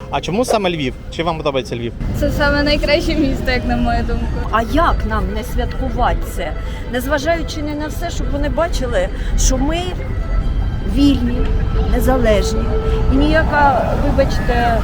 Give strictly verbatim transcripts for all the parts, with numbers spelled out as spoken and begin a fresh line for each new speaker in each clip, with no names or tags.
А чому саме Львів? Чи вам подобається Львів?
Це саме найкраще місто, як на мою думку.
А як нам не святкувати це? Незважаючи не на все, щоб вони бачили, що ми вільні, незалежні. І ніяка, вибачте,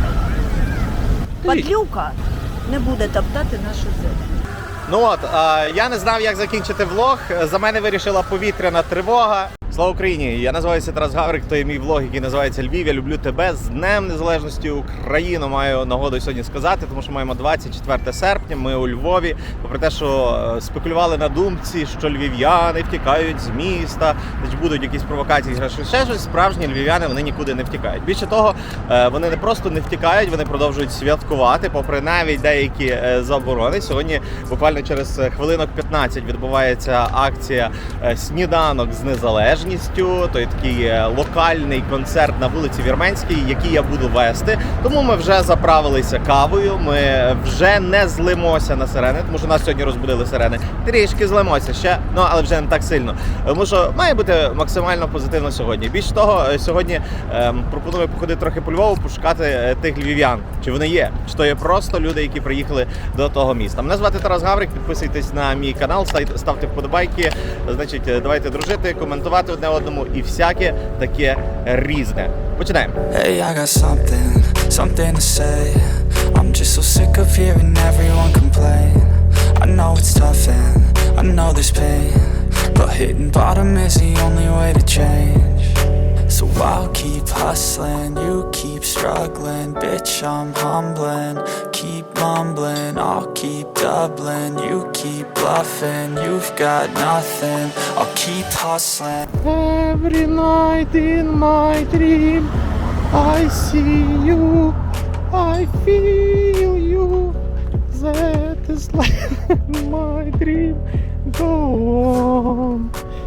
падлюка не буде топтати нашу землю.
Ну от, е, я не знав, як закінчити влог. За мене вирішила повітряна тривога. Слава Україні! Я називаюся Тарас Гаврик, то є мій влог, який називається Львів. Я люблю тебе з Днем Незалежності України. Маю нагоду сьогодні сказати, тому що маємо двадцять четверте серпня, ми у Львові. Попри те, що спекулювали на думці, що львів'яни втікають з міста, значить будуть якісь провокації, ще щось, справжні львів'яни, вони нікуди не втікають. Більше того, вони не просто не втікають, вони продовжують святкувати, попри навіть деякі заборони. Сьогодні буквально через хвилинок п'ятнадцять відбувається акція «Сніданок з незалежністю». То є такий локальний концерт на вулиці Вірменській, який я буду вести. Тому ми вже заправилися кавою, ми вже не злимося на сирени, тому що нас сьогодні розбудили сирени. Трішки злимося ще, ну але вже не так сильно. Тому що має бути максимально позитивно сьогодні. Більше того, сьогодні ем, пропоную походити трохи по Львову, пошукати тих львів'ян. Чи вони є? Чи то є просто люди, які приїхали до того міста. Мене звати Тарас Гаврик, підписуйтесь на мій канал, ставте вподобайки, значить, давайте дружити, коментувати одне одному і всяке таке різне. Починаємо.
Hey, I got something, something to say. I'm just so sick of hearing everyone complain. I know it's tough and I know there's pain, but hitting bottom is the only way to change. So I'll keep hustling, you keep struggling. Bitch, I'm humbling, keep mumbling. I'll keep doubling, you keep bluffing. You've got nothing, I'll keep hustling.
Every night in my dream I see you, I feel you. That is like my dream. Go on.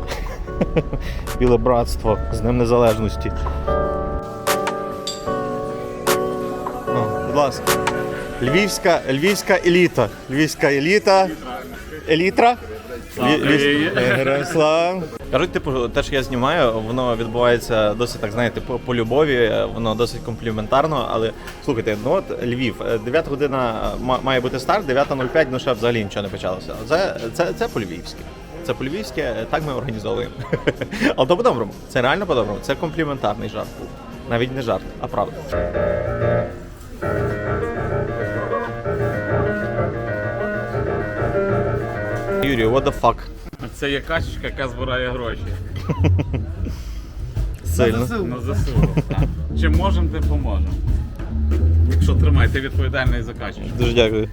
Біле братство з Днем Незалежності. О, будь ласка. Львівська, львівська еліта. Львівська еліта. Елітра? Слава. Кажуть, типу, те, що я знімаю, воно відбувається досить, так знаєте, по, по любові, воно досить компліментарно, але слухайте, ну от Львів, дев'ята година має бути старт, дев'ята нуль п'ять, ну ще взагалі нічого не почалося. Це, це, це по-львівськи. Це по-львівськи, так ми організовуємо. Але то по-доброму, це реально по-доброму, це компліментарний жарт був. Навіть не жарт, а правда. Юрій, what the fuck?
Це є качечка, яка збирає гроші.
Сильно.
На ЗСУ. Чим можемо, тим поможемо. Якщо тримай, ти відповідальний за качечку.
Дуже дякую.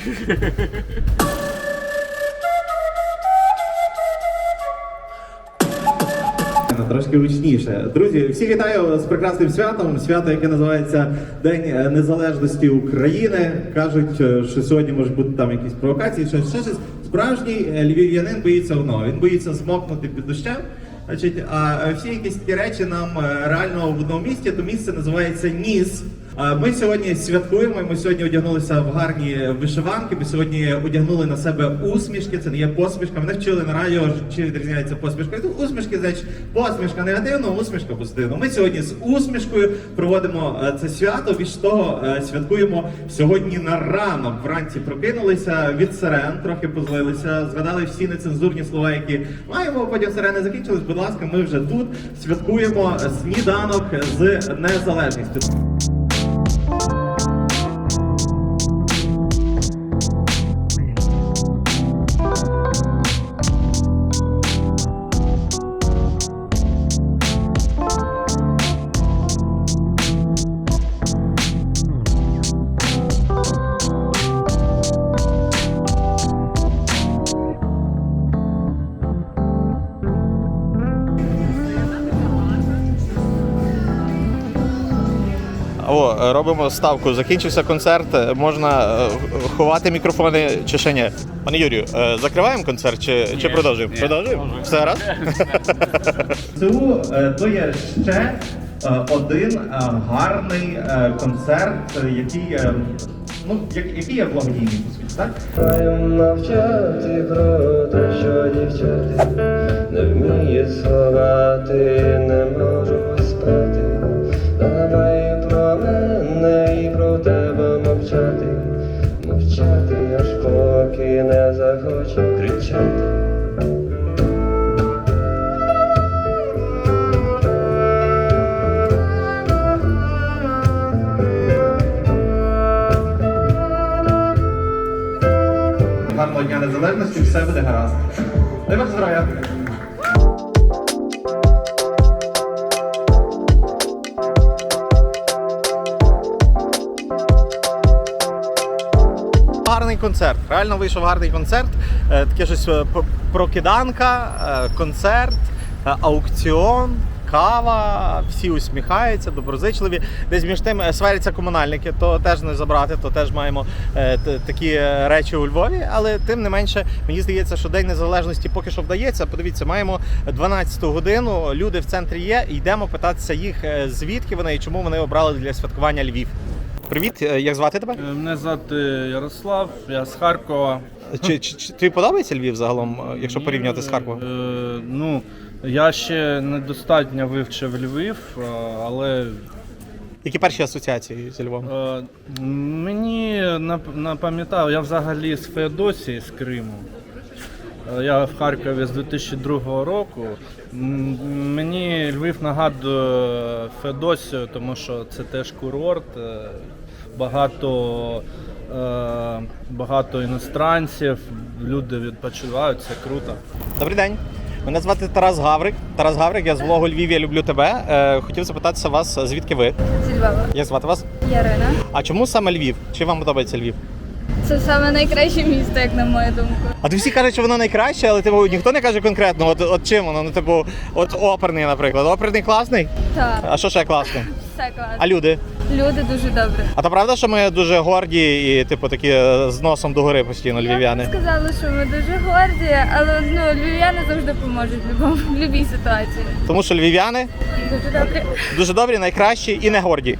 Трошки гучніше. Друзі, всі вітаю з прекрасним святом. Свято, яке називається День Незалежності України. Кажуть, що сьогодні можуть бути там якісь провокації, щось, щось. Справжній львів'янин боїться одного. Він боїться змокнути під дощем. Значить, а всі якісь такі речі нам реально в одному місті, то місце називається Ніс. Ми сьогодні святкуємо, ми сьогодні одягнулися в гарні вишиванки, ми сьогодні одягнули на себе усмішки, це не є посмішка. Мене вчили на радіо, чи відрізняється посмішка. Тут усмішки, значить, посмішка негативно, усмішка позитивно. Ми сьогодні з усмішкою проводимо це свято, більш того, святкуємо сьогодні на ранок. Вранці прокинулися від сирен, трохи позлилися, згадали всі нецензурні слова, які маємо, потім сирени закінчились, будь ласка, ми вже тут святкуємо сніданок з незалежністю. О, робимо ставку. Закінчився концерт, можна ховати мікрофони чи ще ні? Пане Юрію, закриваємо концерт чи, чи продовжуємо?
Ні,
продовжуємо? Все раз? Це то є ще один гарний концерт, який, ну, який є благодійний, по суті, так?
Мовчати про те, що дівчати не вміє сховати, не можу спати. Давай про мене і про про тебе мовчати, мовчати, аж поки не захочу кричати.
Гарного дня незалежності, все буде гаразд. Дай Бог здоров'я. Гарний концерт. Реально вийшов гарний концерт. Е, Таке щось е, п- прокиданка, е, концерт, е, аукціон, кава, всі усміхаються, доброзичливі. Десь між тим е, сваряться комунальники, то теж не забрати, то теж маємо е, т- такі е, речі у Львові. Але тим не менше, мені здається, що День Незалежності поки що вдається. Подивіться, маємо дванадцяту годину, люди в центрі є, і йдемо питатися їх, е, звідки вони і чому вони обрали для святкування Львів. Привіт, е, як звати тебе?
Мене звати Ярослав, я з Харкова.
Чи, чи, чи тобі подобається Львів загалом, якщо порівнювати з Харковом?
Е, ну, я ще недостатньо вивчив Львів, е, але
Які перші асоціації зі Львовом?
е, мені нап- напам'ятав, я взагалі з Феодосії, з Криму. Е, Я в Харкові з дві тисячі другого року. М, Мені Львів нагадує Феодосію, тому що це теж курорт, е, багато, е, багато іностранців, люди відпочивають, це круто.
Добрий день. Мене звати Тарас Гаврик. Тарас Гаврик, я з влогу Львів, я люблю тебе. Е, хотів запитатися вас, звідки ви?
Зі Львова.
Як звати вас?
Ярина.
А чому саме Львів? Чи вам подобається Львів?
Це саме найкраще місто, як на мою думку.
А то всі кажуть, що воно найкраще, але типу ніхто не каже конкретно, от, от чим воно, ну типу, от оперний, наприклад. Оперний класний?
Так,
А що ще класне?
все класно.
А люди?
Люди дуже добрі.
А то правда, що ми дуже горді і типу такі е, з носом догори постійно
Я
львів'яни?
б сказала, що ми дуже горді, але ну, львів'яни завжди поможуть в любому- в будь-якій ситуації.
Тому що львів'яни
Дуже добрі.
дуже добрі, найкращі і не горді.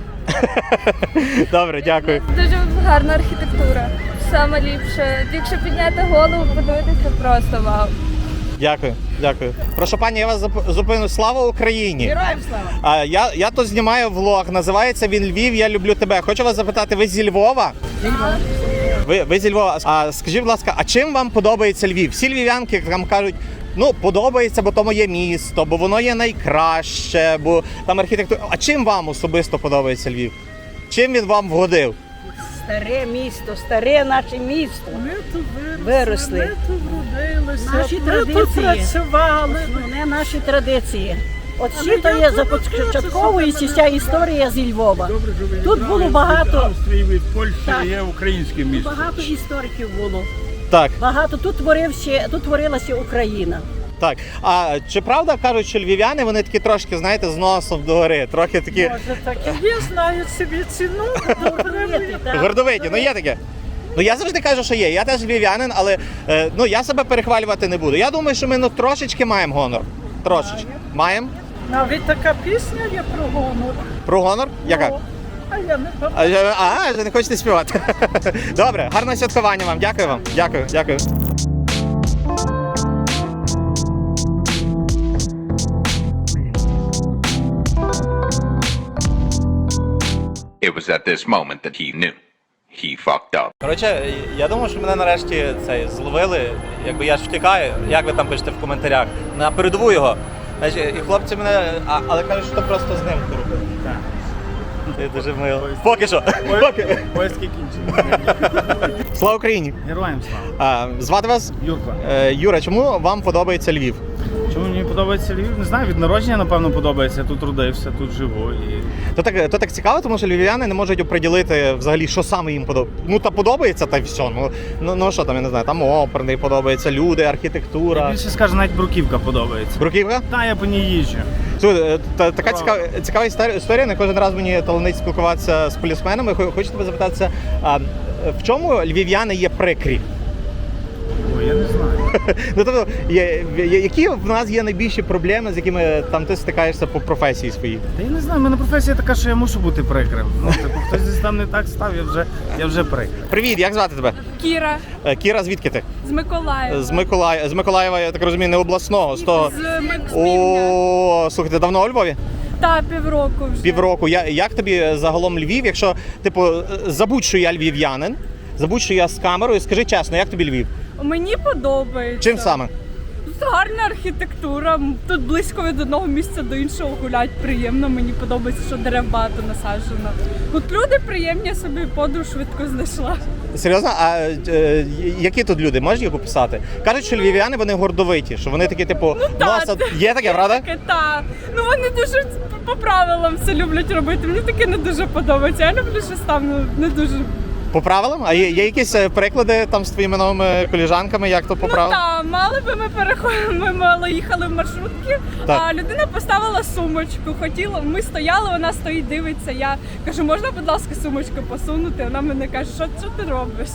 Добре, дякую.
Дуже гарна архітектура. Саме ліпше. Якщо підняти голову, подивитися, просто вау.
Дякую, дякую. Прошу пані, я вас зап- зупиню. Слава Україні! Героям слава! А, я, я тут знімаю влог, називається він Львів, я люблю тебе. Хочу вас запитати, ви зі Львова? Ви, ви зі Львова. А скажіть, будь ласка, а чим вам подобається Львів? Всі львів'янки там кажуть, ну, подобається, бо то моє місто, бо воно є найкраще, бо там архітектура. А чим вам особисто подобається Львів? Чим він вам вгодив?
Старе місто, старе наше місто.
Ми тут виросли,
Виросли.
ми тут вродилися,
Наші
ми тут
традиції.
працювали.
Основне наші традиції. От
Але
всі то
я
є
тут
започатковується
розкажу,
вся історія зі Львова. Тут було багато,
Австрії, від Польщі
Так.
є українське місто.
багато істориків було.
Так,
Багато тут творився, тут творилася Україна.
так. А чи правда кажуть, що львів'яни вони такі трошки, знаєте, з носом догори, трохи такі
Може, так і є, знають собі ціну.
Гордовиті, так.
гордовиті? Ну є таке. Ну я завжди кажу, що є. Я теж львів'янин, але е, ну я себе перехвалювати не буду. Я думаю, що ми ну трошечки маємо гонор. Трошечки. Маємо?
Навіть така пісня є про гонор.
Про гонор? Яка?
О, А я не пам'ятаю.
А, а, вже не хочете співати. Добре, гарного святкування вам. Дякую вам. Дякую, дякую.
It was at this moment that he knew. He fucked up.
Коротше, я думаю, що мене нарешті цей зловили. Якби я ж втікаю, як ви там пишете в коментарях, на передову його. Значить, і хлопці мене, а, але кажуть, що просто з ним круто. Це дуже мило. Поки що. Поки.
Поїздки кінчені.
Слава Україні!
Героям слава.
А, звати вас?
Юрко.
Е, Юра, чому вам подобається Львів?
Чому мені подобається Львів? Не знаю, від народження, напевно, подобається. Я тут родився, тут живу. І...
То так, то так цікаво, тому що львів'яни не можуть оприділити взагалі, що саме їм подобається. Ну та подобається, та й все. Ну, ну, ну що там, я не знаю, там оперний подобається, люди, архітектура.
Більше скажу, навіть Бруківка подобається.
Бруківка?
Та, я по ній їжджу.
Слухай, е, та, така цікава, цікава історія- історія, не кожен раз мені таланить спілкуватися з полісменами. Хо- Хочу тебе запитатися, а в чому львів'яни є прикрі?
Ой, я не знаю.
Ну тобто, є, є- які в нас є найбільші проблеми, з якими там ти стикаєшся по професії своїй?
Та я не знаю, в мене професія така, що я мушу бути прикрим. Ну, типу, хтось десь там не так став, я вже, я вже прикрим.
Привіт, як звати тебе?
Кіра
Е, Кіра, звідки ти?
з Миколаєва.
З Миколаєва, з Миколаєва, я так розумію, не обласного, з того.
З
О, слухайте, давно у Львові?
Та півроку вже.
Півроку. Я, як тобі загалом Львів, якщо, типу, забудь, що я львів'янин, забудь, що я з камерою, скажи чесно, як тобі Львів?
Мені подобається.
Чим саме?
Гарна архітектура. Тут близько від одного місця до іншого гулять приємно. Мені подобається, що дерев багато насаджено. Тут люди приємні, собі подруг швидко знайшла.
Серйозно? А е, які тут люди? Можеш їх описати? Кажуть, що львів'яни, вони гордовиті, що вони такі, типу,
так.
носа... Є таке, правда?
Таке, та. Ну вони дуже по правилам все люблять робити. Мені таке не дуже подобається. Я люблю щось там ну, не дуже.
По правилам? А є, є якісь е, приклади там з твоїми новими коліжанками, як то по
Ну
правилам?
так, мали би ми переходили, ми мало їхали в маршрутки,
Так.
а людина поставила сумочку. Хотіла, ми стояли, вона стоїть, дивиться. Я кажу, можна, будь ласка, сумочку посунути? Вона мене каже, що, що ти робиш?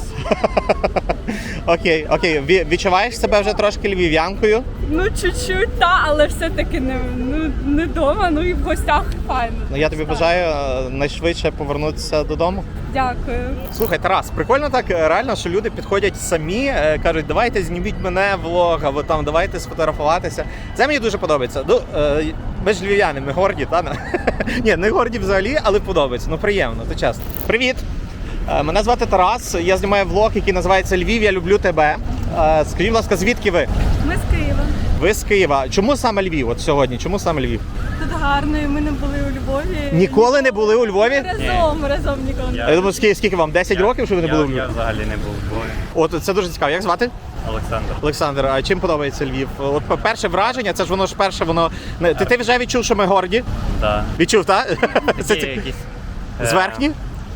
Окей, окей. Ві- Відчуваєш себе вже трошки львів'янкою?
Ну, чуть-чуть, та, але все-таки не, ну, не вдома, ну і в гостях файно.
Ну я тобі
Так.
бажаю е, найшвидше повернутися додому.
Дякую.
Слухай, Тарас, прикольно так е, реально, що люди підходять самі, е, кажуть, давайте зніміть мене влог, або там давайте сфотографуватися. Це мені дуже подобається. Ну, е, ми ж львів'яни, ми горді, та? Ні, не горді взагалі, але подобається. Ну приємно, то чесно. Привіт! Е, Мене звати Тарас, я знімаю влог, який називається Львів, я люблю тебе. Е, Скажіть, будь ласка, звідки ви?
Ми з Києва.
Ви з Києва. Чому саме Львів? От сьогодні? Чому саме Львів?
Тут гарно, і ми не були у Львові.
Ніколи не були у Львові?
Разом, разом ніколи.
Я думаю, скільки, скільки вам? десять років, що ви не були у Львові?
взагалі не був в Львові.
От це дуже цікаво. Як звати?
Олександр.
Олександр, а чим подобається Львів? От перше враження, це ж воно ж перше, воно не- ти, ти вже відчув, що ми горді?
Да.
Відчув, так? Це
Такі
ці-
якісь...
зверхні?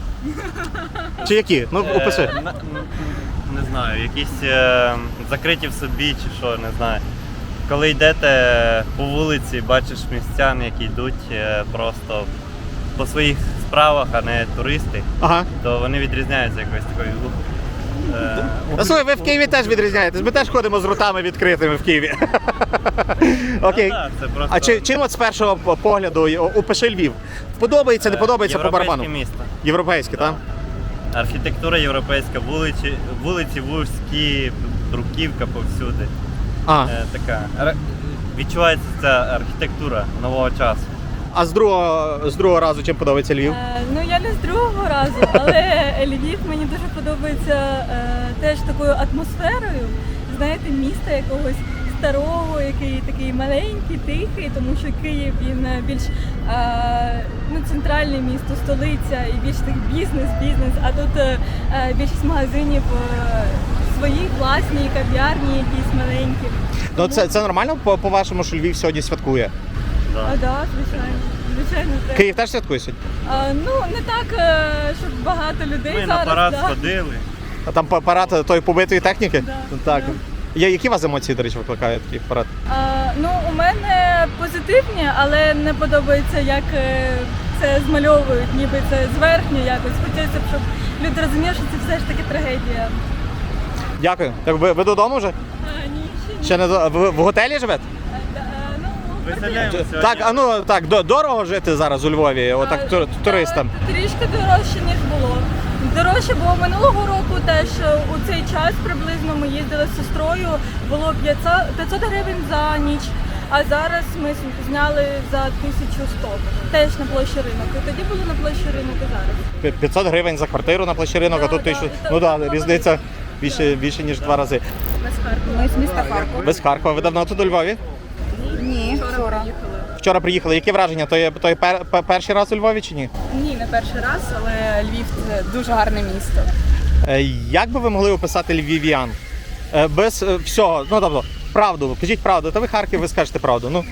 Чи які? Ну опиши.
Е, на- м, Не знаю, якісь е, закриті в собі чи що, не знаю. Коли йдете по вулиці, бачиш містян, які йдуть е, просто по своїх справах, а не туристи,
Ага.
то вони відрізняються якось такою. Е,
Ну, слухай, ви в Києві теж відрізняєтесь. Ми теж ходимо з ротами відкритими в Києві. Окей.
Ну, да, це просто
А чи, чим от з першого погляду о- опиши Львів? Подобається, не
е,
подобається по барабану?
європейське місто.
Європейське, так?
Архітектура європейська, вулиці, вулиці вузькі, бруківка повсюди.
А,
Е, така. ар- Відчувається ця архітектура нового часу.
а з другого, з другого разу чим подобається Львів?
Е, Ну я не з другого разу, але Львів мені дуже подобається е, теж такою атмосферою. Знаєте, міста якогось старого, який такий маленький, тихий, тому що Київ він е, більш е, ну, центральне місто, столиця і більш так бізнес, бізнес. А тут е, е, більшість магазинів е, свої власні, кав'ярні, якісь маленькі.
Ну це, це нормально по- по-вашому, що Львів сьогодні святкує?
А, так, да, звичайно. Звичайно, так.
Київ теж святкує сьогодні?
А, ну не так, е, щоб багато людей
Ми
зараз.
на парад
да.
сходили.
А там па- парад тої побитої техніки?
Да,
Так.
да.
Я, які у вас емоції, до речі, викликає такий парад?
А, ну, у мене позитивні, але не подобається, як е, це змальовують, ніби це зверхньо якось. Хочеться, б, щоб люди розуміли, що це все ж таки трагедія.
Дякую. Так ви, ви додому вже?
А, ні, ще ні.
Ще не до... ви в готелі живете?
А, ну,
Виселяємо сьогодні.
Так, а ну так, до- дорого жити зараз у Львові, отак
а,
тур- туристам.
та, Трішки дорожче, ніж було. Дорожче було минулого року теж е, у цей час приблизно ми їздили з сестрою, було п'ятсот гривень за ніч, а зараз ми с- зняли за тисячу сто, теж на площі ринок. І тоді було на площі ринок і зараз.
Пі- п'ятсот гривень за квартиру на площі ринок, а
Да,
тут
да.
тисячу.
Та-
Ну
та-
так,
та-
різниця більше, більше ніж два рази.
Без Харкова.
Ми з міста Харкова.
Без Харкова. Ви давно тут у Львові?
Ні, вчора.
Вчора приїхали. Які враження? То є, то є пер, пер- перший раз у Львові чи ні?
Ні, не перший раз, але Львів це дуже гарне місто.
Е, Як би ви могли описати львів'ян? Е, Без е, всього, ну тобто, правду, кажіть правду, та ви Харків, ви скажете правду. Ну,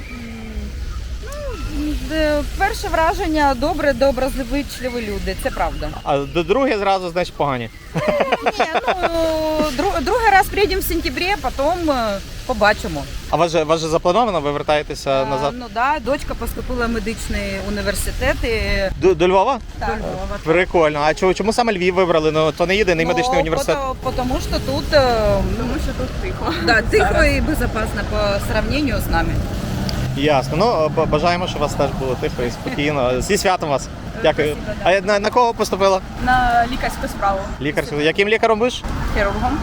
Перше враження добре, доброзичливі люди, це правда.
а до друге зразу, значить, погані.
Ні, ну другий раз приїдемо в сентябрі, потім е, побачимо.
А вас же, вас же заплановано, ви вертаєтеся назад?
Ну да, дочка поступила в медичний університет і
До, до Львова?
до Львова.
Прикольно. А чому, чому саме Львів вибрали? Ну, то не єдиний медичний університет.
Тому що тут, е,
Тому що тут тихо.
да, тихо і безпечно по сравнению з нами.
Ясно. Ну, б- бажаємо, щоб у вас теж було тихо і спокійно. Зі святом вас. Дякую. А на, на кого поступила?
На лікарську справу.
Лікар. Яким лікарем будеш?
Хірургом.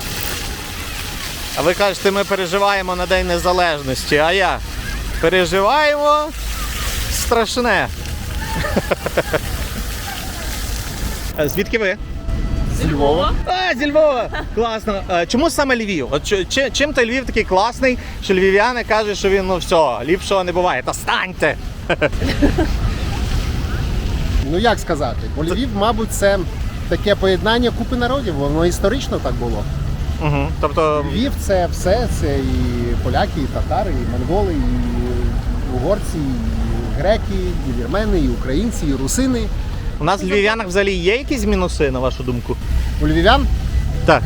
А ви кажете, ми переживаємо на День Незалежності. А я переживаємо з страшне. Звідки ви?
Зі Львова.
А, зі Львова! Класно. Е, Чому саме Львів? От чи- чи- чим той Львів такий класний, що львів'яни кажуть, що він, ну все, ліпшого не буває. Та станьте!
Ну як сказати, бо Львів, мабуть, це таке поєднання купи народів, воно історично так було.
Угу. Тобто,
Львів це все, це і поляки, і татари, і монголи, і угорці, і греки, і вірмени, і українці, і русини.
у нас в львів'янах взагалі є якісь мінуси, на вашу думку?
У львів'ян
Так.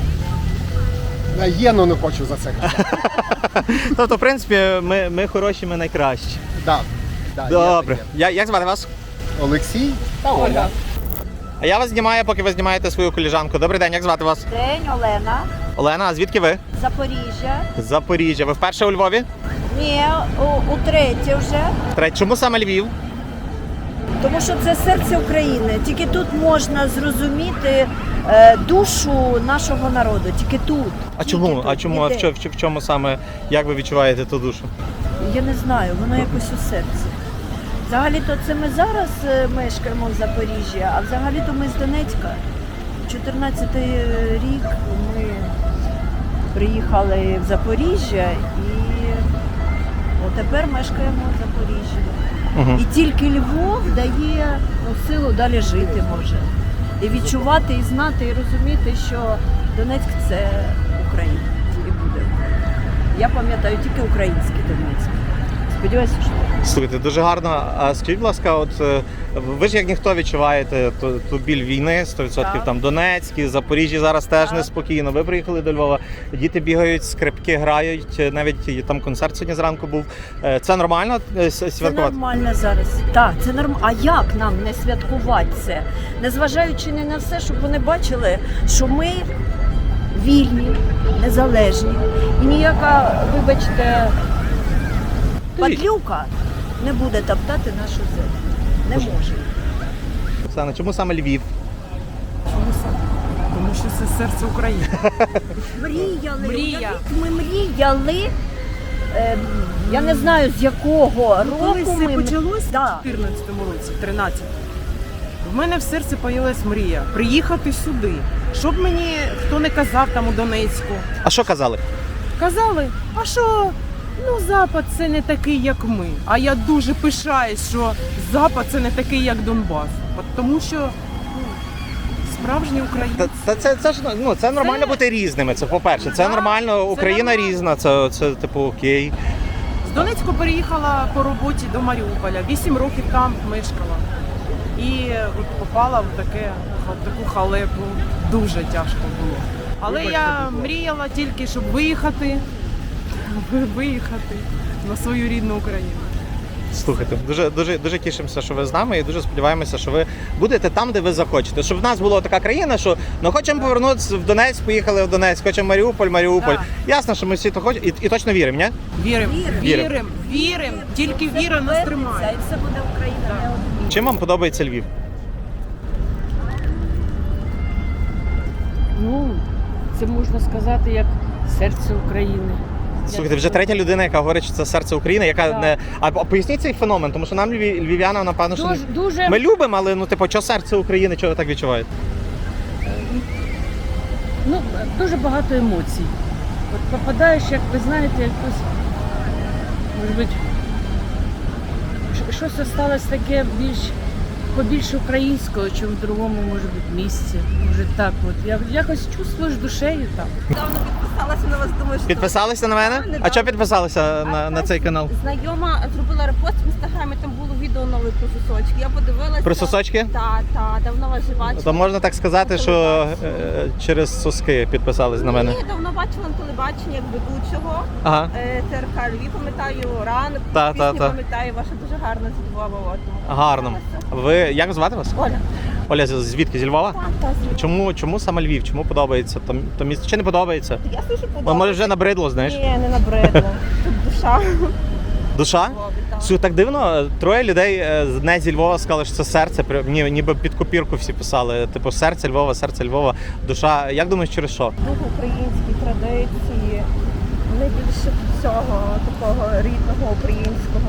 а є, ну не хочу за це казати.
Тобто, в принципі, ми, ми хороші, ми найкращі.
Да, да, є
Добре.
таке.
Я, як звати вас?
Олексій та Ольга.
А я вас знімаю, поки ви знімаєте свою коліжанку. Добрий день, як звати вас?
День, Олена,
Олена, а звідки ви?
Запоріжжя.
З Запоріжжя. Ви вперше у Львові?
Ні, у, утретє вже.
Третє. Чому саме Львів?
Тому що це серце України. Тільки тут можна зрозуміти е, душу нашого народу. Тільки тут.
А
Тільки
чому?
тут.
А чому? А в
Ніде.
чому, в чому саме, як ви відчуваєте ту душу?
Я не знаю, воно якось у серці. Взагалі-то це ми зараз е, мешкаємо в Запоріжжі, а взагалі-то ми з Донецька. чотирнадцятий рік ми приїхали в Запоріжжя і отепер мешкаємо в Запоріжжі.
Угу.
І тільки Львов дає ну, силу далі жити може. І відчувати, і знати, і розуміти, що Донецьк це Україна і буде. Я пам'ятаю тільки український Донецьк. Сподіваюся, що так.
Слухайте, дуже гарно. А скажіть, будь ласка, от е, ви ж як ніхто відчуваєте ту, ту біль війни, сто відсотків
Так.
там Донецьк, Запоріжжя зараз теж
Так.
неспокійно. Ви приїхали до Львова, діти бігають, скрипки грають, навіть там концерт сьогодні зранку був. Е, Це нормально е, с-
Це
святкувати?
нормально зараз. Так, це нормально. А як нам не святкувати це? Незважаючи не на все, щоб вони бачили, що ми вільні, незалежні. І ніяка, вибачте, падлюка не буде топтати нашу землю. Не може.
Оксана, чому саме Львів?
Тому що це серце України.
Мріяли.
Мрія.
Уявіть, Ми мріяли. Е, я не знаю, з якого
Коли
року
все
ми...
почалось
Да.
в чотирнадцятому році, в тринадцятому, в мене в серці появилась мрія приїхати сюди. Щоб мені хто не казав там у Донецьку.
А що казали?
Казали, а що, ну Запад це не такий, як ми. А я дуже пишаюсь, що Запад це не такий, як Донбас. От тому що ну, справжні українці.
Та, та це, це ж ну це нормально бути різними. Це по-перше, це
Так,
нормально.
це
Україна
нормально.
різна. Це, це типу окей.
З Донецьку переїхала по роботі до Маріуполя. Вісім років там мешкала. І от попала в таке, в таку халепу. Дуже тяжко було. Але я мріяла тільки, щоб виїхати, виїхати на свою рідну Україну.
Слухайте, дуже дуже дуже тішимося, що ви з нами, і дуже сподіваємося, що ви будете там, де ви захочете. Щоб в нас була така країна, що ну хочемо повернутися в Донецьк, поїхали в Донецьк, хочемо Маріуполь, Маріуполь.
Так.
Ясно, що ми всі то хочемо і, і точно віримо, ні?
Віримо,
Віримо.
віримо, віримо. Тільки віра нас тримає.
І все буде Україна, не одна.
Чим вам подобається Львів?
Ну, це можна сказати як серце України.
Слухайте, вже третя людина, яка говорить, що це серце України, яка
Так.
не. А, а поясніть цей феномен, тому що нам львів... львів'янам, напевно, що
Дуже,
не...
дуже
ми любимо, але ну типу, що серце України, чого ви так відчуваєте?
ну, дуже багато емоцій. От попадаєш, як ви знаєте, якось, може бути, щ- щось осталось таке більш побільш українського, чим в другому, може бути, місці. Може так от. Я якось чувствуєш душею там.
Недавно підписалася на вас, думаю, що
Підписалися на мене?
недавно.
А чого підписалися на, на цей канал?
знайома зробила репост в інстаграмі, там було відео нове про сосочки. Я подивилася.
Про сосочки?
Так, так, давно вас же бачила.
То можна так сказати, що е, через соски підписались на мене.
Ні, давно бачила на телебаченні як ведучого.
Ага.
Е, Т Р К Львів, пам'ятаю, ранок,
Та,
пісню
та, та.
пам'ятаю, ваша дуже гарна зі Львова. от, тому
Гарно.
подивилася.
Ви як звати вас?
Оля.
Оля, з- звідки? Зі Львова?
Так, так, звідти.
Чому, чому саме Львів? Чому подобається? То, то місто чи не подобається?
Я слышу,
Бо,
подобається.
може вже набридло, знаєш?
Ні, не набридло. Тут душа.
Душа?
Львові, так.
Слухай, так дивно, троє людей е, з- не зі Львова сказали, що це серце, при- ні, ніби під копірку всі писали. Типу серце Львова, серце Львова, душа. Як думаєш, через що?
Дуже українські традиції, найбільше всього такого рідного українського.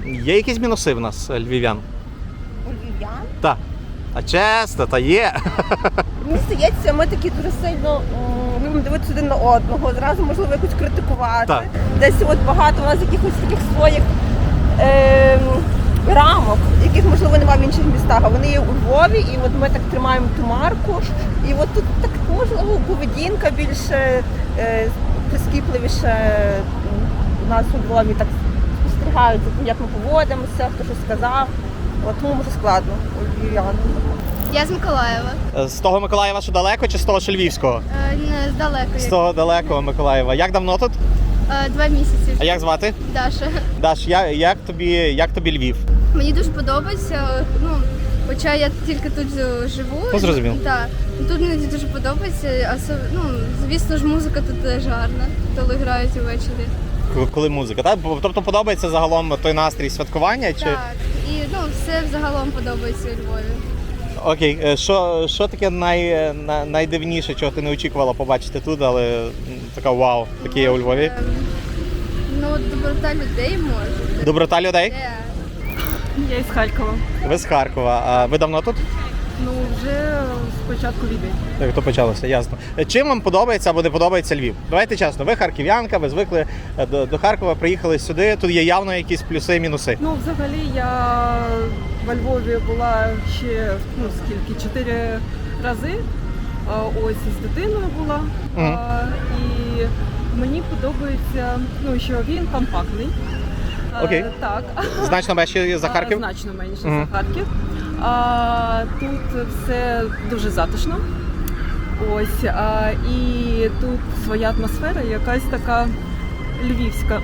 Є якісь мінуси в нас, е, львів'ян?
У львів'ян?
Так. А чесно, та є.
Мені здається, ми такі дуже сильно м, любимо дивитися один на одного, зразу можливо якось критикувати.
Так.
Десь от багато у нас якихось таких своїх е, рамок, яких можливо немає в інших містах, а вони є у Львові, і от ми так тримаємо ту марку. І от тут так можливо поведінка більше е, прискіпливіше м, у нас у Львові так спостерігають, як ми поводимося, хто що сказав. От тому може складно у львів'ян.
Я з Миколаєва.
Е, З того Миколаєва, що далеко, чи з того, що Львівського?
Е, не здалеку.
З того далекого Миколаєва. Як давно тут?
Е, два місяці.
А як звати?
Даша.
Даш, я, як, тобі, як тобі Львів?
Мені дуже подобається. Ну, хоча я тільки тут живу.
Ну, зрозуміло.
Так. Тут мені дуже подобається. А, ну, звісно ж, музика тут теж гарна, коли грають увечері.
К- Коли музика, так? Тобто подобається загалом той настрій святкування? Чи...
Так. І ну, все взагалом подобається у Львові.
Окей, е, що, що таке най, на- найдивніше, чого ти не очікувала побачити тут, але м, така вау, таке є у Львові?
Ем, Ну, доброта людей може.
Доброта людей?
Де?
Я із Харкова.
Ви з Харкова. А ви давно тут?
Ну, вже з початку війни.
Так, то почалося, ясно. Е, Чим вам подобається або не подобається Львів? Давайте чесно, ви харків'янка, ви звикли е, до, до Харкова, приїхали сюди, тут є явно якісь плюси і мінуси.
Ну, взагалі, я во Львові була ще, ну, скільки, чотири рази. А, Ось із дитиною була.
Мгм.
А, І мені подобається, ну, що він компактний. А,
Окей.
Так.
Значно менше за Харків?
А, Значно менше
Мгм.
за Харків. А, тут все дуже затишно. Ось. А, і тут своя атмосфера, якась така львівська.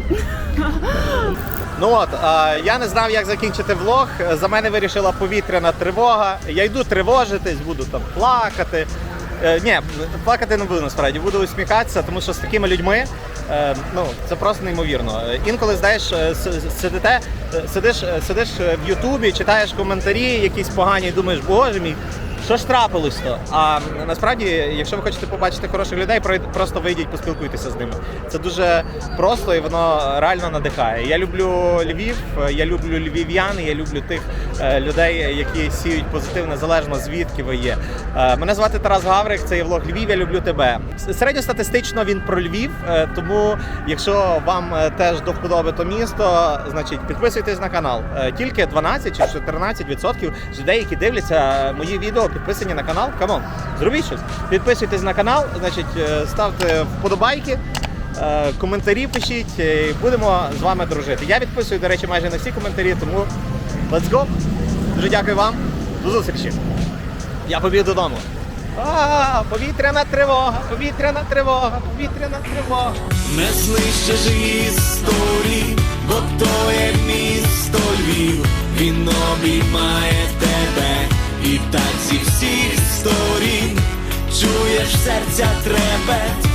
Ну от, е, я не знав, як закінчити влог. За мене вирішила повітряна тривога. Я йду тривожитись, буду там плакати. Е, ні, плакати не буду насправді, буду усміхатися, тому що з такими людьми е, ну, це просто неймовірно. Е, Інколи, знаєш, е, с- сидите, е, сидиш, е, сидиш в Ютубі, читаєш коментарі якісь погані і думаєш, боже мій, що ж трапилось то? А насправді, якщо ви хочете побачити хороших людей, пройд- просто вийдіть, поспілкуйтеся з ними. Це дуже просто і воно реально надихає. Я люблю Львів, я люблю львів'ян, я люблю тих е, людей, які сіють позитив, незалежно звідки ви є. Е, Мене звати Тарас Гаврик, це є влог Львів, я люблю тебе. С- Середньостатистично він про Львів, е, тому якщо вам е, теж до вподоби то місто, значить підписуйтесь на канал. Е, Тільки дванадцять чи чотирнадцять відсотків людей, які дивляться мої відео, підписані на канал. Камон, зробіть щось. Підписуйтесь на канал, значить, е, ставте вподобайки, е, коментарі пишіть, е, і будемо з вами дружити. Я відписую, до речі, майже на всі коментарі, тому let's go. Дуже дякую вам. До зустрічі. Я побіг додому. А, повітряна тривога, повітряна тривога, повітряна тривога.
Не знищиш історії, бо то є місто Львів, він обіймає тебе, і так зі всіх сторін чуєш серця трепет.